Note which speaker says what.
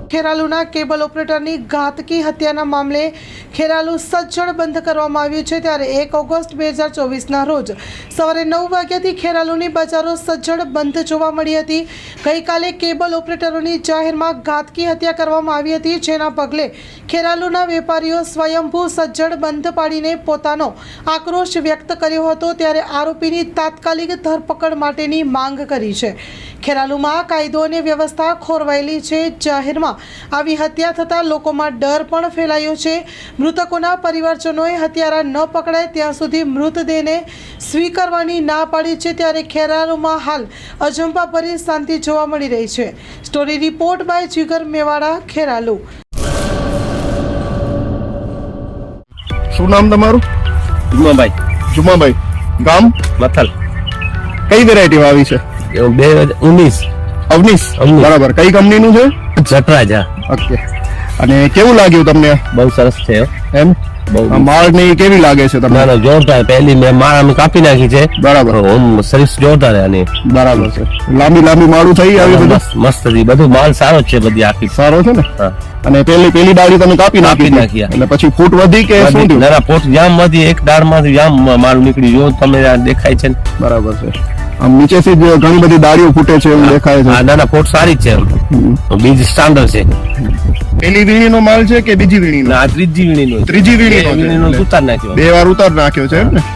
Speaker 1: ખેરાલુના cable ઓપરેટરની ઘાતકી હત્યાના મામલે ખેરાલુ સજ્જડ બંધ કરવામાં આવ્યું છે। ત્યારે 1 ઓગસ્ટ 2024ના રોજ સવારે 9 વાગ્યાથી ખેરાલુની બજારો સજ્જડ બંધ જોવા મળી હતી। ગઈકાલે કેબલ ઓપરેટરોની જાહેરમાં ઘાતકી હત્યા કરવામાં આવી હતી, જેના પગલે ખેરાલુના વેપારીઓ સ્વયંભૂ સજ્જડ બંધ પાડીને પોતાનો આક્રોશ વ્યક્ત કર્યો હતો। ત્યારે આરોપીની તાત્કાલિક ધરપકડ માટેની માંગ કરી છે। ખેરાલુમાં કાયદો અને વ્યવસ્થા ખોરવાયેલી છે। જાહેરમાં આવી હત્યા થતાં લોકોમાં ડર પણ ફેલાયો છે। મૃતકોના પરિવારજનોએ હત્યારા ન પકડાય ત્યાં સુધી મૃતદેહને સ્વીકારવાની ના પાડી છે। ત્યારે ખેરાલુમાં હાલ અજંપાભરી શાંતિ જોવા મળી રહી છે। Story report by Jigar Mewada, Kheralu.
Speaker 2: શું નામ તમારું? જુમાભાઈ, ગામ
Speaker 3: મથલ।
Speaker 2: કઈ વેરાયટી આવી છે?
Speaker 3: 2019
Speaker 2: અવનીશ, બરાબર। કઈ કંપનીનું છે?
Speaker 3: જટરાજ।
Speaker 2: ઓકે, અને કેવું લાગ્યું તમને?
Speaker 3: બહુ સરસ છે
Speaker 2: એમ માળ ને કેવી લાગે છે તમને?
Speaker 3: ના જોરદાર, પહેલી મેં માળ અમે કાપી નાખી છે,
Speaker 2: બરાબર।
Speaker 3: સર્વિસ જોરદાર આની,
Speaker 2: બરાબર છે। લાંબી માળું થઈ આવી બધું
Speaker 3: મસ્ત હતી, બધું માલ સારો છે, બધી આખી
Speaker 2: સારો છે ને?
Speaker 3: હા।
Speaker 2: અને પેલી ડાળી તમે કાપી નાખી એટલે પછી ફૂટ વધી કે શું થયું?
Speaker 3: ના ફૂટ જામ વધી, એક દાળ માંથી જામ માલ નીકળી, જો તમે દેખાય છે ને?
Speaker 2: બરાબર છે। આમ નીચેથી જ ઘણી બધી ડાળીઓ ફૂટે છે એવું દેખાય છે।
Speaker 3: ના ફૂટ સારી છે, બીજ સ્ટાન્ડર્ડ છે।
Speaker 2: પેલી વીણીનો માલ છે કે બીજી વીણીનો?
Speaker 3: ના ત્રીજી વીણીનો
Speaker 2: ઉતાર નાખ્યો, 2 વાર ઉતાર નાખ્યો છે એમ ને?